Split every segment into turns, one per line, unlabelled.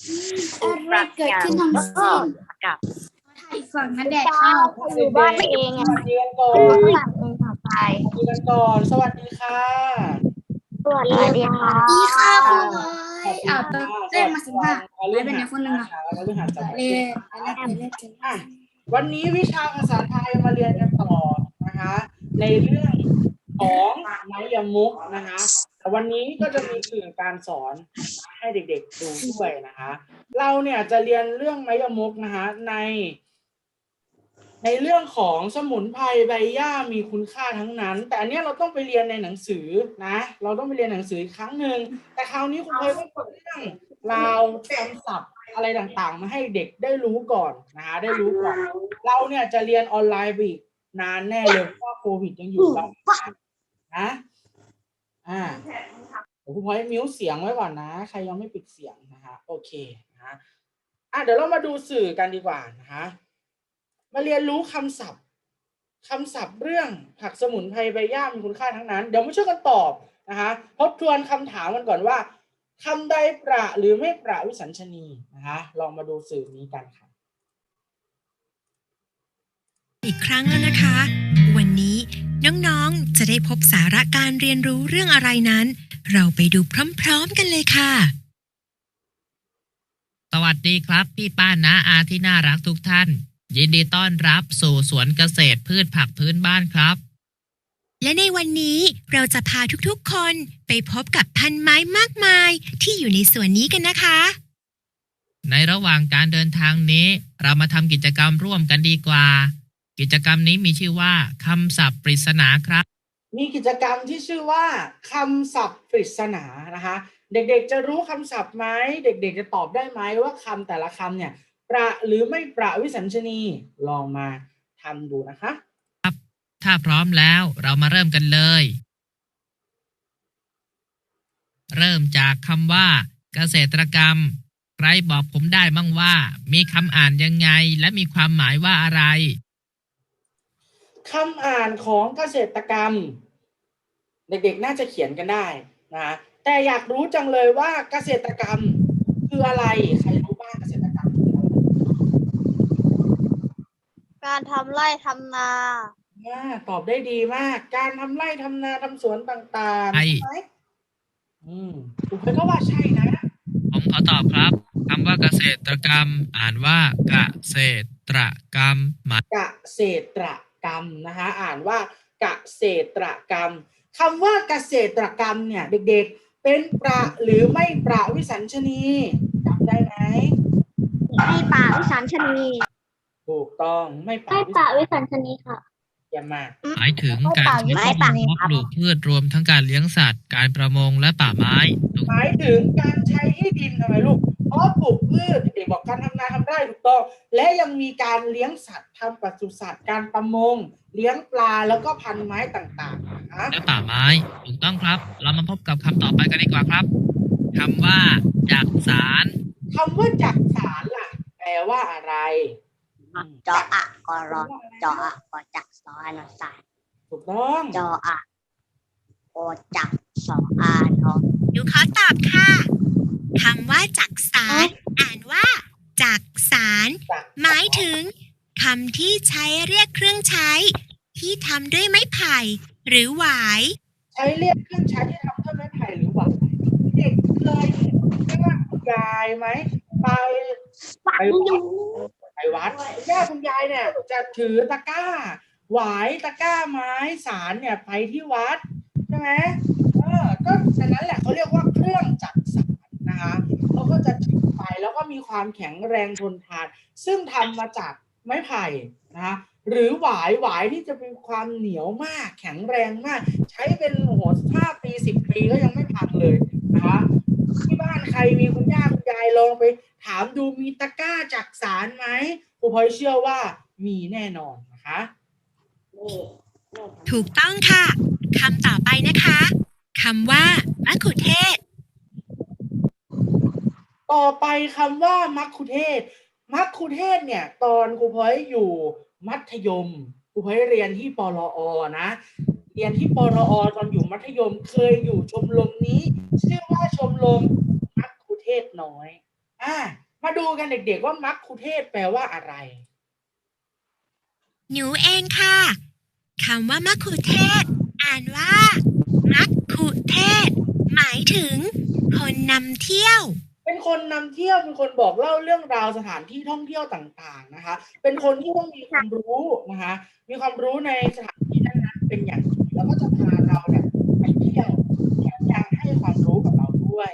อะไรเกิดขึ้นทั้งสิ้น
กับ
อีกฝั่งนั้นแดดเข้า
อยู่บ้านเอง
ส
อ่ะ
วัสดีกันก่อน
ข้างหลังเองต่อไป
สวัสดีกันก่อนสวัสดีค่ะ
สวัสดีค่ะ
ดีค่ะครูบอ
ขอบ
ย
คุณ
อ้าว
ค่ะ
เล่นมา15
ไม่
ไม่เป็นไรคนหนึ่งอ่ะ
เรื่องหาจำ
เล่
เป็น
นเล่น
อ่ะวันนี้วิชาภาษาไทยมาเรียนกันต่อนะคะในเรื่องของไม้ยมุกนะคะแต่วันนี้ก็จะมีสื่อการสอนให้เด็กๆดูด้วยนะคะเราเนี่ยจะเรียนเรื่องไม้ยมุกนะคะในเรื่องของสมุนไพรใบหญ้ามีคุณค่าทั้งนั้นแต่อันเนี้ยเราต้องไปเรียนในหนังสือนะเราต้องไปเรียนหนังสืออีกครั้งหนึ่งแต่คราวนี้คุณพลอยก็เปิดเรื่องราวคำศัพท์อะไรต่างๆมาให้เด็กได้รู้ก่อนนะคะได้รู้ก่อนเราเนี่ยจะเรียนออนไลน์ไปอีกนานแน่เลยเพราะว่าโควิดยังอยู่เรานะเดี๋ยวคุณพลอยมิวเสียงไว้ก่อนนะใครยังไม่ปิดเสียงนะคะโอเคนะเดี๋ยวเรามาดูสื่อกันดีกว่านะคะมาเรียนรู้คำศัพท์เรื่องผักสมุนไพรใบหญ้ามีคุณค่าทั้งนั้นเดี๋ยวมาช่วยกันตอบนะคะทบทวนคำถามกันก่อนว่าคำใดประหรือไม่ประวิสัญชนีนะคะลองมาดูสื่อนี้กันค่ะ
อีกครั้งแล้วนะคะ วันนี้น้องๆจะได้พบสาระการเรียนรู้เรื่องอะไรนั้น เราไปดูพร้อมๆกันเลยค่ะ
สวัสดีครับพี่ป้าน้าอาที่น่ารักทุกท่าน ยินดีต้อนรับสู่สวนเกษตรพืชผักพื้นบ้านครับ
และในวันนี้เราจะพาทุกๆคนไปพบกับพันไม้มากมายที่อยู่ในสวนนี้กันนะคะ
ในระหว่างการเดินทางนี้เรามาทำกิจกรรมร่วมกันดีกว่า กิจกรรมนี้มีชื่อว่าคำศัพท์ปริศนาครับ
มีกิจกรรมที่ชื่อว่าคำศัพท์ปริศนานะคะเด็กๆจะรู้คำศัพท์ไหมเด็กๆจะตอบได้ไหมว่าคำแต่ละคำเนี่ยประหรือไม่ประวิสัญชนีลองมาทำดูนะคะ
ถ้าพร้อมแล้วเรามาเริ่มกันเลย เริ่มจากคำว่าเกษตรกรรมใครบอกผมได้บ้างว่ามีคำอ่านยังไงและมีความหมายว่าอะไร
คำอ่านของเกษตรกรรมเด็กๆน่าจะเขียนกันได้นะแต่อยากรู้จังเลยว่าเกษตรกรรมคืออะไรใครรู้บ้างเกษตรกรรมคืออะไร
การทำไร่ทำนา
ตอบได้ดีมากการทำไร่ทำนาทำสวนต่างๆ
ใช่
ใช่ไหมคุณเพชรก็ว่าใช่นะ
ผมขอตอบครับคำว่าเกษตรกรรม อ่านว่าเกษตรกรรมหมาย
เกษตรกรรมนะคะอ่านว่าเกษตรกรรมคำว่าเกษตรกรรมเนี่ยเด็กๆเป็นประหรือไม่ประวิสัญชนีจำได้ไหม
ไม่ป่าวิสัญชนี
ถูกต้องไม่ประ
ไม่ป่าวิสัญชนีค่ะ
เยี่ยมมาก
หมายถึงการใช้ข้อมูลเพาะปลูกพืชรวมทั้งการเลี้ยงสัตว์ การประมงและป่าไม้
หมายถึงการใช้ที่ดินทำไมลูกเพราะปลูกพืชเด็กๆบอกการทำนาทำไร่ถูกต้องและยังมีการเลี้ยงสัตว์ทำปศุสัตว์การประมงเลี้ยงปลาแล้วก็พันไม้ต่างๆนะคะ
และป่าไม้ถูกต้องครับ เรามาพบกับคำต่อไปกันดีกว่าครับคำว่าจักสาร
คำว่าจักสารล่ะแปลว่าอะไร
จออะกอรอจออะกอจักสอานอสาย
ถูกต้อง
จออะโอจักสออานอ
หนูขอตอบค่ะคำว่าจักสารอ่านว่าจักสาร
จัก
หมายถึงคำที่ใช้เรียกเครื่องใช้ ที่ทำด้วยไม้ไผ่หรือหวาย
ใช้เรียกเครื่องใช้ที่ทำด้วยไม้ไผ่หรือหวายเด็กเคยเห็นคุณยายไหมไปวัดคุณย่าคุณยายเนี่ยจะถือตะกร้าหวายตะกร้าไม้สารเนี่ยไปที่วัดใช่ไหมก็ฉะนั้นแหละเขาเรียกว่าเครื่องจักสารนะคะเขาก็จะถือไปแล้วก็มีความแข็งแรงทนทานซึ่งทำมาจากไม้ไผ่นะคะหรือหวายที่จะมีความเหนียวมากแข็งแรงมากใช้เป็น5 ปี 10 ปีก็ยังไม่พังเลยนะคะที่บ้านใครมีคุณย่าคุณยายลองไปถามดูมีตะกร้าจักสารไหมครูพลอยเชื่อว่ามีแน่นอนนะคะ
ถูกต้องค่ะคำต่อไปนะคะคำว่ามะขุเทศ
ต่อไปคำว่ามัคคุเทศก์มัคคุเทศก์เนี่ยตอนครูพลอยอยู่มัธยมครูพลอยเรียนที่ปรอนะเรียนที่ปรอตอนอยู่มัธยมเคยอยู่ชมรมนี้ชื่อว่าชมรมมัคคุเทศก์น้อยมาดูกันเด็กๆว่ามัคคุเทศก์แปลว่าอะไร
หนูเองค่ะคำว่ามัคคุเทศก์อ่านว่ามัคคุเทศก์หมายถึงคนนำเที่ยว
เป็นคนนำเที่ยวเป็นคนบอกเล่าเรื่องราวสถานที่ท่องเที่ยวต่างๆนะคะ เป็นคนที่ต้องมีความรู้นะคะ มีความรู้ในสถานที่นั้นๆเป็นอย่างดีแล้วก็จะพาเราเนี่ยไปเที่ยวแถมยังให้ความรู้กับเราด้วย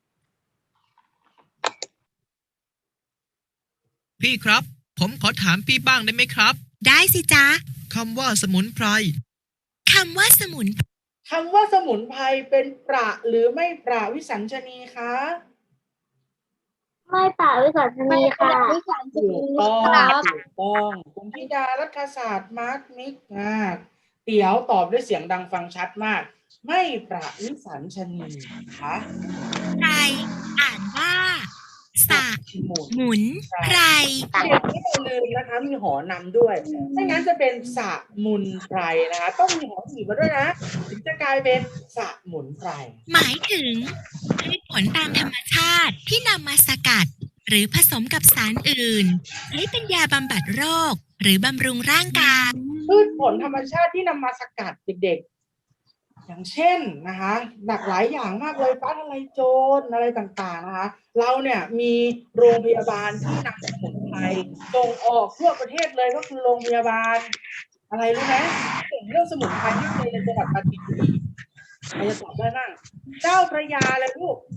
พี่ครับ ผมขอถามพี่บ้างได้ไหมครับ
ได้สิจ๊ะ
คำว่าสมุนไพร
คำว่าสมุน
คำว่าสมุนไพรเป็นประหรือไม่ประวิสัญชนีคะ
ไม่ป่าวิสัชนีค่ะ
ถูกต้องถูกต้องคุณธิดารัฐศาสตร์มาร์คมิกเตี๋ยวตอบด้วยเสียงดังฟังชัดมาก ไม่ประวิสัญชนีนะคะ
ไพรอ่านว่าสะ
หมุน
หมุนไพร
เด็กไม่ต้องลืมนะคะมีหอนำด้วยไม่งั้นจะเป็นสะมุนไพรนะคะต้องมีหอหีบมาด้วยนะถึงจะกลายเป็นสะหมุนไพร
หมายถึงพืชผลตามธรรมชาติที่นำมาสกัด หรือผสมกับสารอื่นใช้เป็นยาบำบัดโรค หรือบำรุงร่างกาย
พืชผลธรรมชาติที่นำมาสกัดเด็กๆ อย่างเช่นนะคะหลากหลายอย่างมากเลยฟ้าทะลายโจรอะไรต่างๆนะคะเราเนี่ยมีโรงพยาบาลที่นำสมุนไพรส่งออกทั่วประเทศเลยก็คือโรงพยาบาลอะไรรู้ไหมเก่งเรื่องสมุนไพรที่เคยในจังหวัดปราจีนบุรีใครจะตอบได้บ้างเจ้าพระยาเลยลูก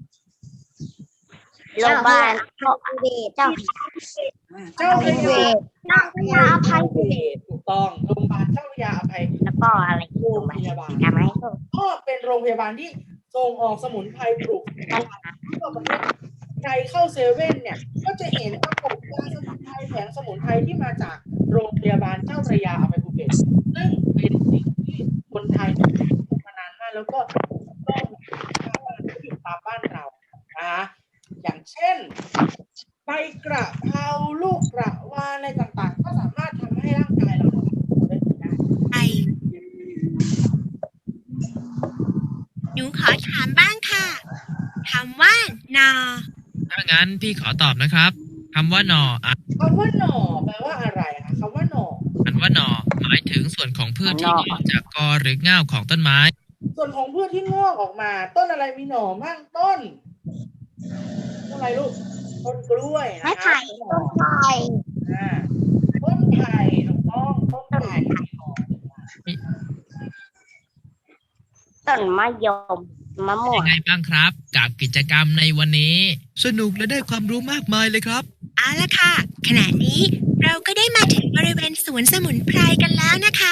โรงพยาบาลเจ้า
เจ้าพระยา
พระยาอภัยเดช
ถูกต้องโรงพยาบาลเจ้าพระยาอภัย
แล้วก็อะไร
โรงพยาบาล
ทำไหม
ก็เป็นโรงพยาบาลที่ส่งออกสมุนไพรปลูกทั่วประเทศใครเข้าเซเว่นเนี่ยก็จะเห็นปรากฏยาสมุนไพรแผงสมุนไพรที่มาจากโรงพยาบาลเจ้าพระยาอภัยภูเก็ตซึ่งเป็นสิ่งที่คนไทยมานานมากแล้วก็ต้องอยู่ตามบ้านเรานะคะอย่างเช่นใบกระเพราลูกกระวานอะไรต่างๆก็สามารถทำให้ร่างกายเราได้ดีได้
ไอหนูขอถามบ้างค่ะคำว่านอ
ถ้างั้นพี่ขอตอบนะครับคำว่าหน่ออ่ะ
คำว่าหน่อแปลว่าอะไรคะคำว่าหน่อ
อันว่าหน่อหมายถึงส่วนของพืชที่งอกจากกอหรือง่าวของต้นไม้
ส่วนของพืชที่งอกออกมา ต้นอะไรมีหน่อมั่งต้นอะไรลูกต้นกล้วยนะคะ
ไม้ไผ่
หน่
ต้
อน
ไผ่
ต้นไผ่ถูกต้องต้นไผ่มีหน่อ
ต้นมะยมมะม่ว
ยัง งไงบ้างครับ กับกิจกรรมในวันนี้ สนุกและได้ความรู้มากมายเลยครับ
เอาละค่ะ ขณะนี้เราก็ได้มาถึงบริเวณสวนสมุนไพรกันแล้วนะคะ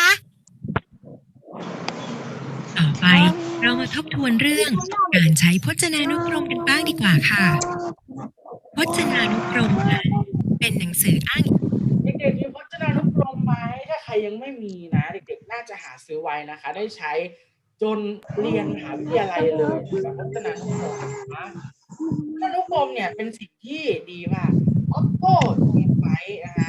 ต่อไปเรามาทบทวนเรื่องการใช้พจนานุกรมกันบ้างดีกว่าค่ะ พจนานุกรมนั้นเป็นหนังสืออ้างอิง
เด็กๆมีพจนานุกรมไหมถ้าใครยังไม่มีนะเด็กๆน่าจะหาซื้อไว้นะคะ ได้ใช้จนเรียนมหาวิทยาลัยเลยแบบพจนานุกรมนะพจนานุกรมเนี่ยเป็นสิ่งที่ดีมากออโต้ทีมไฟนะคะ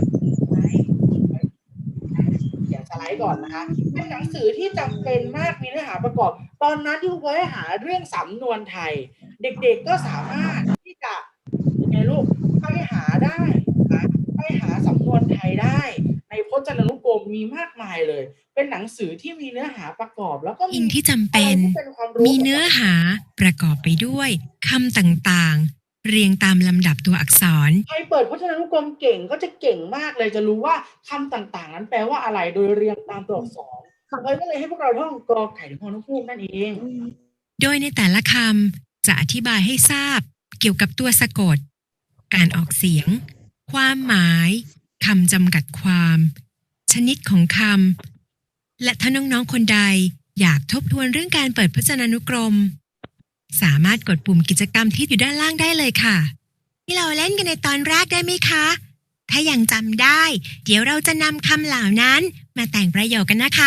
เขียนสไลด์ก่อนนะคะเป็นหนังสือที่จำเป็นมากมีเนื้อหาประกอบ ตอนนั้นที่ครูให้หาเรื่องสำนวนไทย เด็กๆก็สามารถที่จะยังไงลูกไปหาได้นะไปหาสำนวนไทยได้ ในพจนานุกรมมีมากมายเลย เป็นหนังสือที่มีเนื้อหาประกอบแล้วก็มี
อิงที่จำเป็น
อะไรที่เป็นความรู้
มีเนื้อหาประกอบไปด้วยคำต่างๆ เรียงตามลำดับตัวอักษร
ใครเปิดพจนานุกรมเก่งก็จะเก่งมากเลยจะรู้ว่าคำต่างๆ นั้นแปลว่าอะไรโดยเรียงตามตัวอักษรเลยก็เลยให้พวกเราท่องกอไก่ถึงพอนุพูกนั่นเอง
โดยในแต่ละคำจะอธิบายให้ทราบเกี่ยวกับตัวสะกด การออกเสียง ความหมายคำจำกัดความ ชนิดของคำและถ้าน้องๆคนใดอยากทบทวนเรื่องการเปิดพจนานุกรม สามารถกดปุ่มกิจกรรมที่อยู่ด้านล่างได้เลยค่ะ ที่เราเล่นกันในตอนแรกได้ไหมคะ ถ้ายังจำได้ เดี๋ยวเราจะนำคำเหล่านั้นมาแต่งประโยคกันนะคะ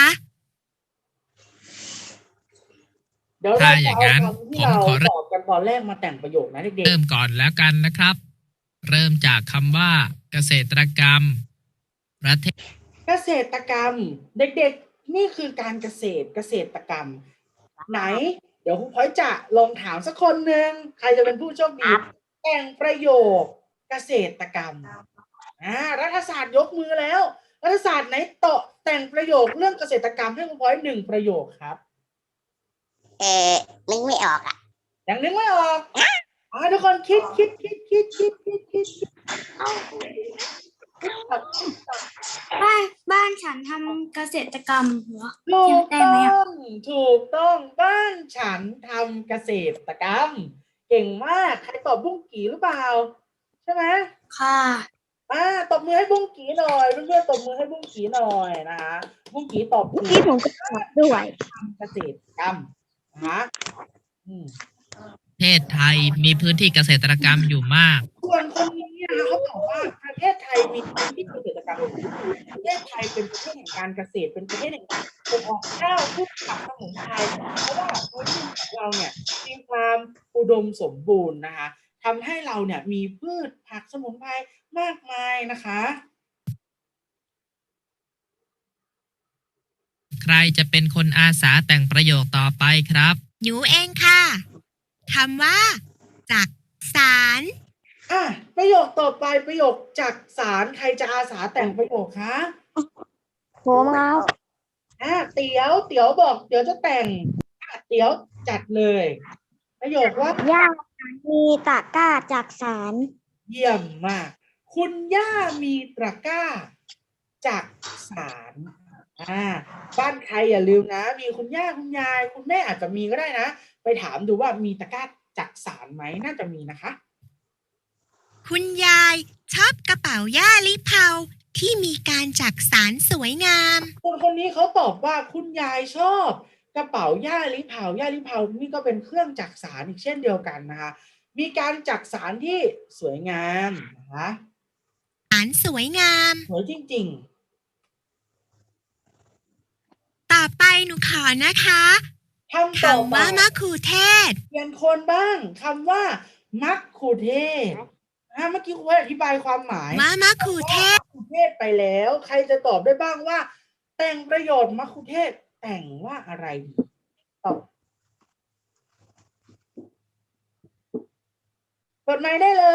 เดี๋ยวเรา
ถ้าอ
จะ
ย่าง
เอา
นั้น
คำที่เรา
ผมขอ
สอบกันตอนแรกมาแต่งประโยคนะเด็ก
เริ่มก่อนแล้วกันนะครับ เริ่มจากคำว่า เกษตรกรรม ประเทศ
ๆเกษตรกรรม เด็กๆนี่คือการเกษตรกรรม ไหน เดี๋ยวครูพลอยจะลองถามสักคนหนึ่งใครจะเป็นผู้โชคดี เกแต่งประโยคเกษตรกรรมรัฐศาสตร์ยกมือแล้วรัฐศาสตร์ไหนแต่งประโยคเรื่องเกษตรกรรมให้คุณพลอย1 ประโยคครับ
นึกไม่ออกอ่ะ
ยังนึกไม่ออกทุกคนคิด
บ้านฉันทำเกษตรกรรมเหรอ
ถูก
ได้
ต้
ไหม
องถูกต้องบ้านฉันทำเกษตรกรรมเก่งมากใครตอบบุ้งกี่หรือเปล่าใช่ไหม
ค่ะ
ตบมือให้บุ้งกี่หน่อยเพื่อนๆตบมือให้บุ้งกี่หน่อยนะคะบุ้งกี่ตอบถูก
ที่ผมก็ตอบด้วย
ทำเกษตรกรรมนะคะ
ประเทศไทยมีพื้นที่เกษตรกรรมอยู่มาก
ส่วนคนนี้นะคะเขาบอกว่าประเทศไทยมีพื้นที่เกษตรกรรมประเทศไทยเป็นประเทศแห่งการเกษตรเป็นประเทศแห่งการส่งออกข้าวพืชผักสมุนไพรเพราะว่าพื้นที่ของเราเนี่ยมีความอุดมสมบูรณ์นะคะทำให้เราเนี่ยมีพืชผักสมุนไพรมากมายนะคะ
ใครจะเป็นคนอาสาแต่งประโยคต่อไปครับ
หนูเองค่ะคำว่า จักสาร
ประโยคต่อไปประโยคจักสารใครจะอาสาแต่งประโยคคะ
ผมครับ
เตี๋ยวบอกเดี๋ยวจะแต่งเตี๋ยวจัดเลยประโยคว่า
ย่ามีตะกร้าจากสาร
เยี่ยมมากคุณย่ามีตะกร้าจักสารบ้านใครอย่าลืมนะมีคุณย่าคุณยายคุณแม่อาจจะมีก็ได้นะไปถามดูว่ามีตะกร้าจักสารไหมน่าจะมีนะคะ
คุณยายชอบกระเป๋าย่าลิเผาที่มีการจักสารสวยงาม
คนนี้เขาตอบว่าคุณยายชอบกระเป๋าย่าลิเผานี่ก็เป็นเครื่องจักสารอีกเช่นเดียวกันนะคะมีการจักสารที่สวยงามนะคะ
สารสวยงาม
สวยจริง
ต่อไปหนูขอนะคะ
ๆคำต่อ
คำ
ไป
ว่ามะคูเทศ
เปลี่ยนคนบ้างคำว่ามัคคุเทศเมื่อกี้ครูอธิบายความหมาย
ว่ามะคูเทศ
มัคคุเทศไปแล้วใครจะตอบได้บ้างว่า แต่งประโยชน์มัคคุเทศแต่งว่าอะไรดีตอบเปิดไมค์ได้เลย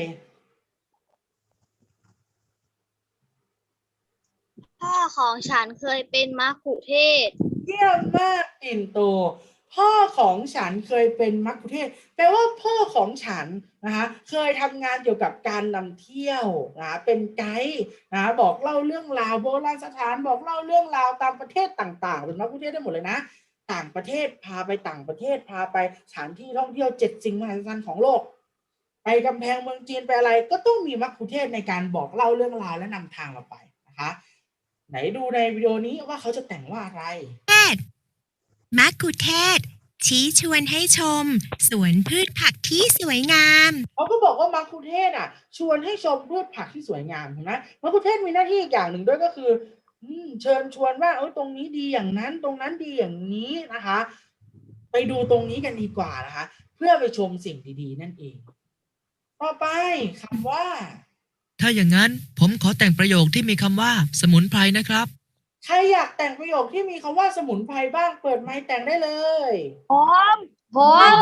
พ่อของฉันเคยเป็นมัคคุเทศก์
เยี่ยมมากปิ่นโตพ่อของฉันเคยเป็นมัคคุเทศก์แปลว่าพ่อของฉันนะคะเคยทำงานเกี่ยวกับการนำเที่ยวนะเป็นไกด์นะบอกเล่าเรื่องราวโบราณสถานบอกเล่าเรื่องราวตามประเทศต่างๆเป็นมัคคุเทศก์ได้หมดเลยนะต่างประเทศพาไปต่างประเทศพาไปสถานที่ท่องเที่ยว7 สิ่งมหัศจรรย์ของโลกไปกำแพงเมืองจีนไปอะไรก็ต้องมีมัคคุเทศก์ในการบอกเล่าเรื่องราวและนำทางเราไปนะคะไหนดูในวิดีโอนี้ว่าเขาจะแต่งว่าอะไร
มักคุเทศก์ชี้ชวนให้ชม สวนพืชผักที่สวยงาม
เขาก็บอกว่ามัคคุเทศก์ชวนให้ชมพืชผักที่สวยงามเห็นไหมมัคคุเทศก์มีหน้าที่อีกอย่างหนึ่งด้วยก็คือเชิญชวนว่าตรงนี้ดีอย่างนั้นตรงนั้นดีอย่างนี้นะคะไปดูตรงนี้กันดีกว่านะคะเพื่อไปชมสิ่งดีๆนั่นเองต่อไปคำว่า
ถ้าอย่างนั้นผมขอแต่งประโยคที่มีคำว่า สมุนไพรนะครับ
ใครอยากแต่งประโยคที่มีคำว่าสมุนไพรบ้างเปิดไมค์แต่งได้เลย
ผม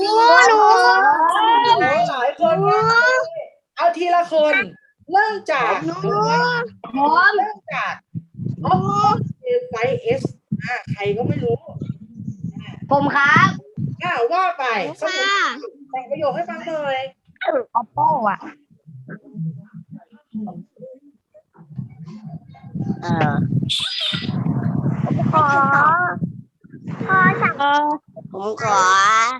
หลายคนมากเลยเอาทีละคนเริ่มจากเริ่มจากไฟเอสใครก็ไม่รู้
ผมครับ
ว่าไปสมุนแต่งประโยคให้ฟังหน่อย
Oppo อ่ะพ่อสั่งผมขอ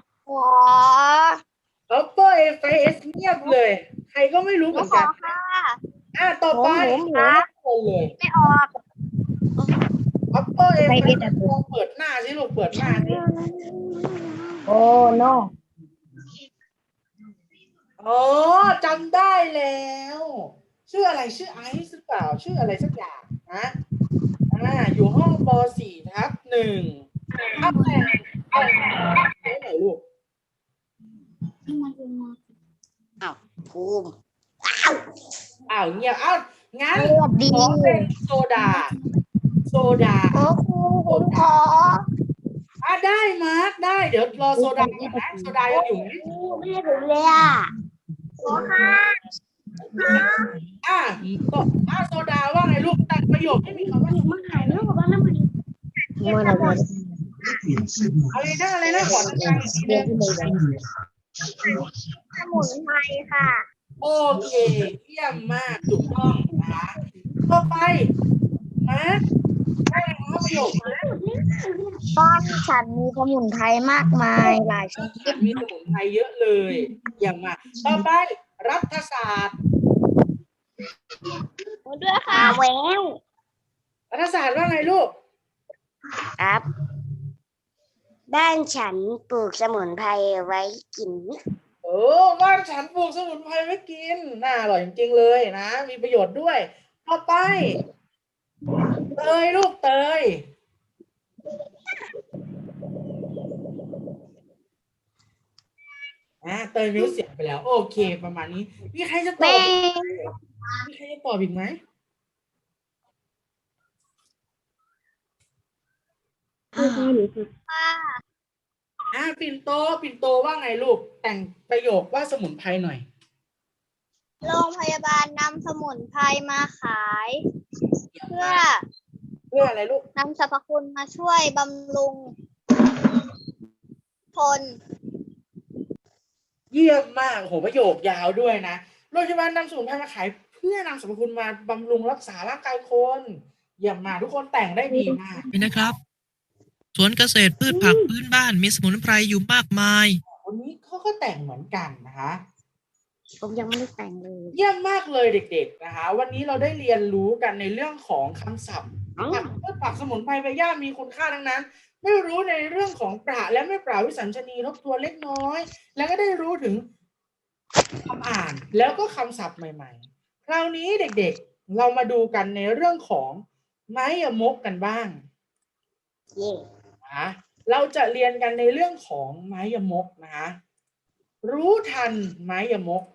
Oppo A5s เงียบเลย ใครก็ไม่รู้เหมือนกันต่อไปคนเลย
ไม่ออก
Oppo A5s ลองเปิดหน้าสิลูกเปิดหน้าสิ
โอ้ no
จำได้แล้วชื่ออะไรชื่อไอซ์หรือเปล่าชื่ออะไรสักอย่างนะอยู่ห้องป .4 ทับ 1เอาแต่งไหนลูก
ภูมิ
เงียบงั้น
ดี
ขอเป็นโซดา
โอ้ครูผมขอ
ได้มาร์คได้เดี๋ยวรอโซดาก่อนนะโซดายังอยู่ไหม
ไม่ให้ผมเลยอ่ะ
โซดาว่าไงลูกแต่งประโยคให้มีคำว่าอะไรนะขอดังๆอีกทีนึง
สมุนไพรค่ะ
โอเคเยี่ยมมากถูกต้องนะคะต่อไปมาได้ครับประโยคมา
บ้านฉันมีสมุนไพรมากมายหลายชนิด
มีสมุนไพรเยอะเลยเยี่ยมมากต่อไปรัฐศาสตร์
ด้วยค่ะแวว
รัฐศาสตร์ว่าไงลูก
ครับบ้านฉันปลูกสมุนไพรไว้กิน
บ้านฉันปลูกสมุนไพรไว้กินน่าอร่อยจริงๆเลยนะมีประโยชน์ด้วยต่อไปเตยลูกเตยเตยมิวเสียงไปแล้วโอเคประมาณนี้มีใครจะตอบอีกไหมปิ่นโตว่าไงลูกแต่งประโยคว่าสมุนไพรหน่อย
โรงพยาบาลนำสมุนไพรมาขาย เพื่อ
อะไรลูก
นำสรรพคุณมาช่วยบำรุงคน
เยี่ยมมากโหประโยคยาวด้วยนะโรงพยาบาลนำสมุนไพรมาขายเพื่อนำสรรพคุณมาบำรุงรักษาร่างกายคนเยี่ยมมากทุกคนแต่งได้ดีมาก
นี่นะครับ สวนเกษตรพืชผักพื้นบ้านมีสมุนไพรอยู่มากมาย
วันนี้เขาก็แต่งเหมือนกันนะคะ
ผมยังไม่ได้แต่งเลย
เยี่ยมมากเลยเด็กๆนะคะวันนี้เราได้เรียนรู้กันในเรื่องของคำศัพท์ผักพืชผักสมุนไพรใบหญ้ามีคุณค่าทั้งนั้นไม่รู้ในเรื่องของประและไม่ประวิสัญชนีทบทวนเล็กน้อย แล้วก็ได้รู้ถึงคำอ่านแล้วก็คำศัพท์ใหม่ๆคราวนี้เด็กๆเรามาดูกันในเรื่องของไม้ยมกกันบ้าง
เย่
นะเราจะเรียนกันในเรื่องของไม้ยมกนะคะรู้ทันไม้ยมก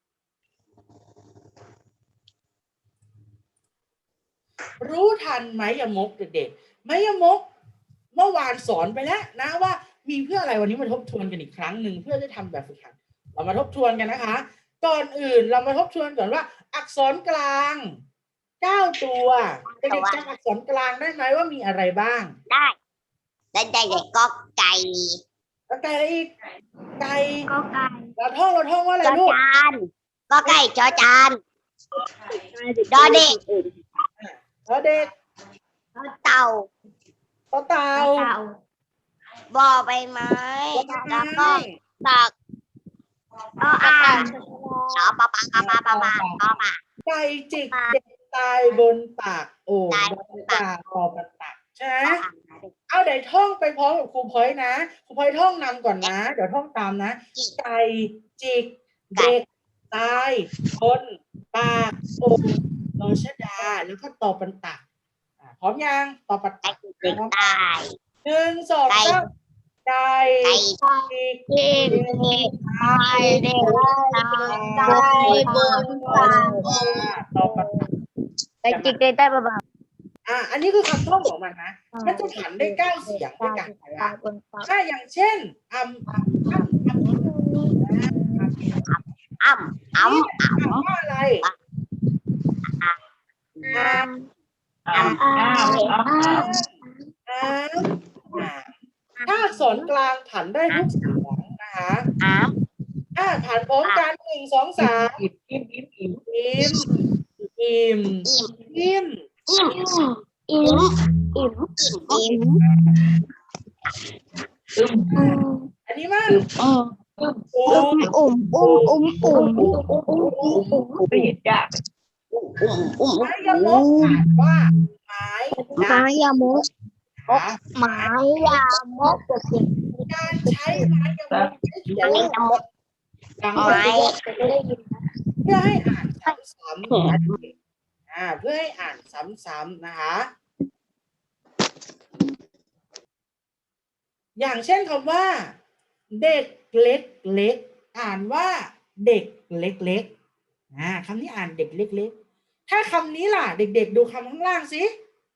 รู้ทันไม้ยมกเด็กๆไม้ยมกเมื่อวานสอนไปแล้วนะว่ามีเพื่ออะไรวันนี้มาทบทวนกันอีกครั้งหนึ่งเพื่อจะทำแบบฝึกหัดเรามาทบทวนกันนะคะก่อนอื่นเรามาทบทวนก่อนว่า อักษรกลาง9ตัวเด็กๆจำอักษรกลางได้ไหมว่ามีอะไรบ้าง
ได้เด็กก็ไก่
แล้วไก่อะไรอีกไก่
ก็ไก่
เราท่องว่าอะไร
จอ
ลูก
จานก็ไก่จอจานดอเด็ก
แล้วเด็ก
เต่า
ต่อเต่า
เต่า
บอใบไม้แล้วก็ตัก
ก็อ่าง
ชอปะปะปะปะปะปะปะปะ
ไก่จิกเด็กตายบนปากโอ่งบนปากคอปันตักใช่ไหมเอาเดี๋ยวท่องไปพร้อมกับครูพลอยนะครูพลอยท่องนำก่อนนะ เดี๋ยวท่องตามนะไก่จิกเด็กตายบนปากโอ่งนอชดาแล้วก็ตอปันตักพร้อมยังตอปัน
ไก่
ตัก
เด็กตาย
1 2 3ไก่
ไก่
จิก
เด็กตายเด็กตายบนปาก
ตอปันตัก
ไก่จิกเด็กตายบนปาก
อันนี้คือคำท่องของมันนะ มันจะผันได้9เสียงด้วยกันนะถ้าอย่างเช่นว่าอะไรถ้าอักษรกลางผันได้ทุกเสียงนะคะผันพร้อมกัน1 2 3อิ่ม อันนี้มันไม้ยมกอ่านว่าไม้ยมกการใช้ไม้ยมกใช้เขียนดังไว้เพื่อให้อ่านซ้ำๆเพื่อให้อ่านซ้ำๆนะคะ อย่างเช่นคำว่าเด็กเล็กอ่านว่าเด็กเล็กคำนี้อ่านเด็กเล็กถ้าคำนี้ล่ะเด็กๆดูคำข้างล่างสิ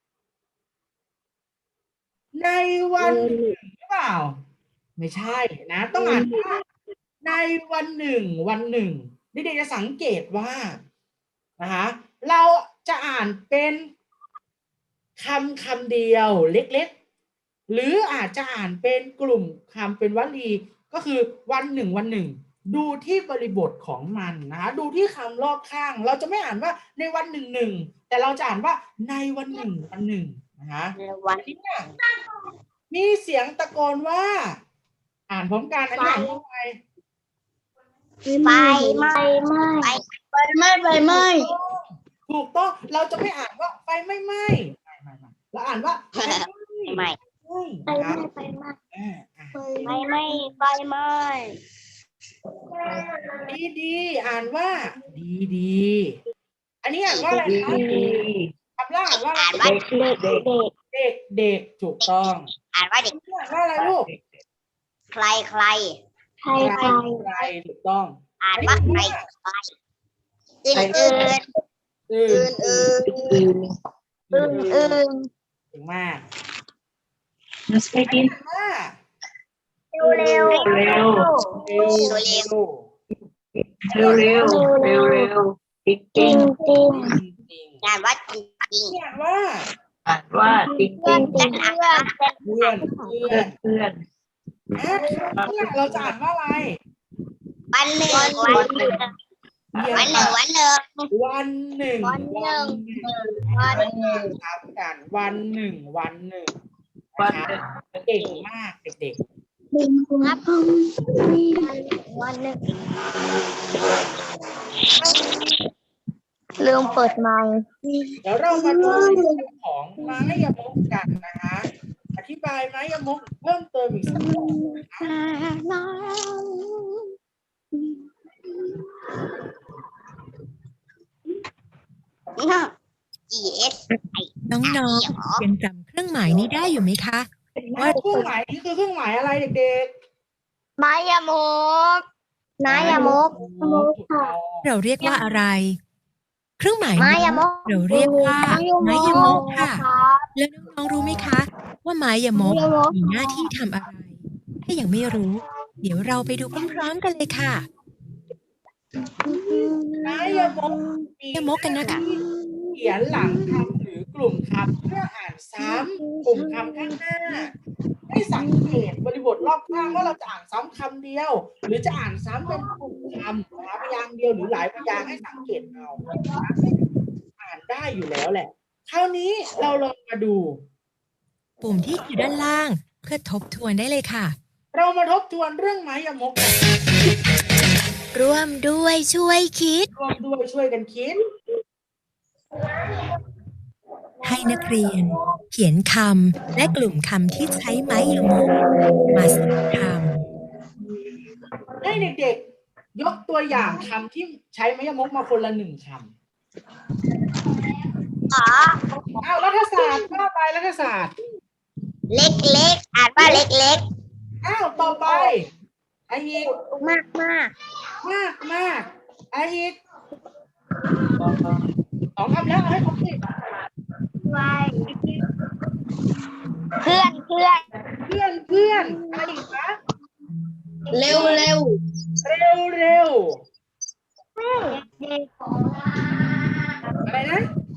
ในวันหนึ่งหรือเปล่าไม่ใช่นะต้องอ่านว่าในวันหนึ่งเด็กๆจะสังเกตว่านะคะเราจะอ่านเป็นคำเดียวเล็กๆหรืออาจจะอ่านเป็นกลุ่มคำเป็นวลีก็คือวันหนึ่งวันหนึ่งดูที่บริบทของมันนะคะดูที่คำรอบข้างเราจะไม่อ่านว่าในวันหนึ่งหนึ่งแต่เราจะอ่านว่าในวันหนึ่งวันหนึ่งนะคะอันนี้เนี่ยมีเสียงตะโกนว่าอ่านพร้อมกันอันนี้อ่านว่าไง
ไฟไหม้ไฟไหม้
ถูกต้องเราจะไม่อ่านว่าไฟไม่ไหม้ไม่เราอ่านว่าไฟไหม้นะครับ
ไฟไหม้
ดีอ่านว่าดีอันนี้อ่านว่าอะไรคะคำแรกอ่านว่าอะไร เด็กถูกต้อง
อ่านว่าเด็ก
อ่านว่าอะไรลูก
ใคร
ใครถูกต้อง
อ่านว่าใครอื่น
ถึงมาก ว่า
เร็ว
เร็ว
จริงอ่านว่าจริง
อ่านว่า
เพื่อน
เพื่อนเราจะอ่านว่าอะไร
วันหนึ่ง
ครับกันวันหนึ่งนะคะเก่งมากเด็ก
วันหนึ่งลืมเปิดไมค์
ๆเดี๋ยวเรามาดูเรื่องของไม้ยมกกันนะคะอธิบายไม้ยมกเพิ่มเติมอีกสักหน่อยนะคะ
น้องๆยังจำเครื่องหมายนี้ได้อยู่ไหมคะ ว่า
เครื่องหมายนี้คือเครื่องหมายอะไรเด็ก
ไม้ยามก
ๆ
เราเรียกว่าอะไร เครื่องหมาย
ไม้
นี้
ยามก
เราเรียกว่าไม้ยมกค่ะ แล้วน้องๆรู้ไหมคะ ว่าไม้ยมกมีหน้าที่ทำอะไร ถ้ายังไม่รู้ เดี๋ยวเราไปดูพร้อมๆกันเลยค่ะ
ไม้ยมกมี
ยมกกันนะคะ
เขียนหลังคำหรือกลุ่มคำเพื่ออ่านซ้ำกลุ่มคำข้างหน้า ให้สังเกตบริบทรอบข้างว่าเราจะอ่านซ้ำคำเดียว หรือจะอ่านซ้ำเป็นกลุ่มคำนะคะพยางค์เดียวหรือหลายพยางค์ให้สังเกตเอาอ่านได้อยู่แล้วแหละ คราวนี้เราลองมาดู
ปุ่มที่อยู่ด้านล่างเพื่อทบทวนได้เลยค่ะ
เรามาทบทวนเรื่องไม้ยมกกัน
ร่วมด้วยช่วยคิด
ร่วมด้วยช่วยกันคิด
ให้นักเรียน เขียนคำและกลุ่มคำที่ใช้ไม้ยมกมาสร้างค
ให้เด็กๆยกตัวอย่างคำที่ใช้ไม้ยมกมาคนละหนึ่งคำเอารัฐศาสตร์ว่าไปรัฐศาสตร์
เล็กอ่านว่าเล็ก
อ้าวต่อไปไออีก
มาก
มากไออีกสองคำแล้วเอาให้ครบสิ
เพื่อน
อะไรอีกนะ
เร็ว
เร็วอะไรนะ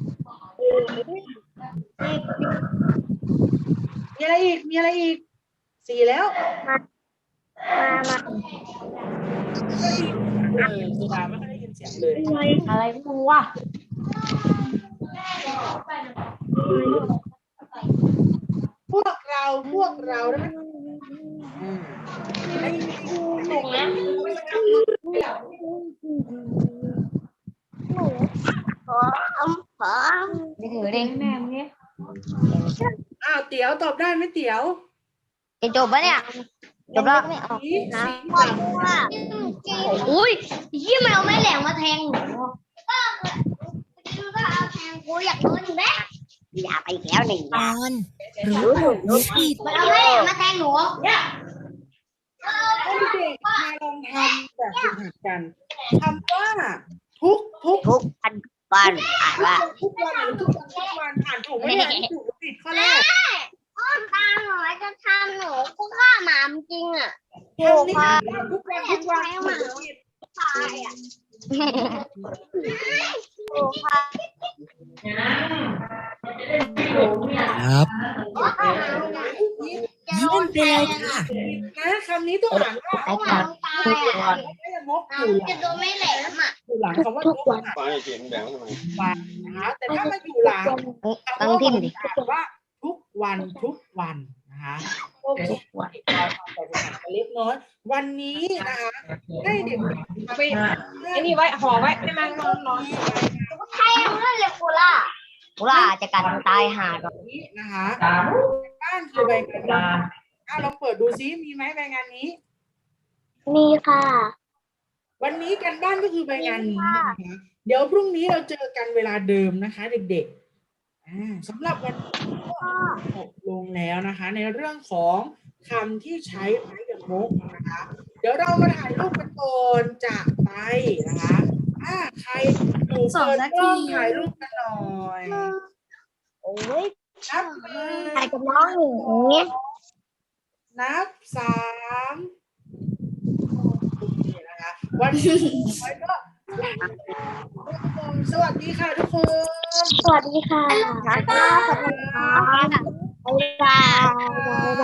มีอะไรอีกสี่แล้วสุดาไม่ค่อยได้ยินเสียงเลย
อะไรกูวะ
พวกเราได้ไหมถูกแล้ว
นี่ถือเด้งแม่มึงเนี่ย
อ้าวเตี๋ยวตอบได้ไหมเตี๋ยว
จะจบปะเนี่ยจบแล้วไม่ออก
สีด
อุ้ยยี่แมวไม่แหลงมาแทงหนูกูอยากโดนหนูแม่อย่าไปอีกแล้วหนึ่ง
ำตอนรู้ถูกรู้ผิด
มันเอาไม่แหลงมาแทงหนูเนี่ย
ำให้เด็กมาลองทำแบบฝึกหัดกันคำว่าทุก
ทุกวันอ่านว่า
ทุกวันหรือทุกวันอ่านถูกไหมเนี่ยถูกหรือผิดข้อแรก
พ่อตาหนูจะทำหนูกูฆ่าหมาจริงอ่ะ
คำนี้อ่านว่าทุกวันหรือผิด
ตายอ่ะครูค่ะ
ครับ
จะ
เยี่ยมไปเลยค่ะ
นะคำนี้ต้องอ่านว่า
ไอ้ขาตายอ่ะ
ไม่ได้งกอยู่ห
จะ
ลัง
โดนไม่แหลมอ่ะ
อยู่หลังคำว่างกอ่ะวันนะคะแต่ถ้ามาอยู่หลังคำว่าวันอ่านว่าทุกวันทุกวันนะคะโอเคเราทำแต่ภาษาเล็กน้อยวันนี้นะคะให้เด็กๆไป
ไอ้นี่ไว้ห่อไว้ให้มันร้อน
ใช่เพื่อนเลยกูล่าจะกัดตายหาด
นี้นะคะบ้านคือใบงานนี้เราเปิดดูซิมีไหมใบงานนี้
มีค่ะ
วันนี้กันบ้านก็คือใบงานนี้นะคะเดี๋ยวพรุ่งนี้เราเจอกันเวลาเดิมนะคะ เด็กๆสำหรับวันนี้ก็จบลงแล้วนะคะ ในเรื่องของคำที่ใช้ไม้กับมกนะคะ เดี๋ยวเรามาถ่ายรูปกันก่อนจากไปนะคะใครหนูเปิดกล้องถ่ายรูปกันหน่อย
โอ้ย
นับ
ถ่ายกับน้องหนูอย่างเงี้ย
นับ3โอเคนะคะวันนี้ไว้ก็สวัสดีค่ะทุกคน
สวัสดีค่ะสวัสดีค่ะสวัสดีค่ะ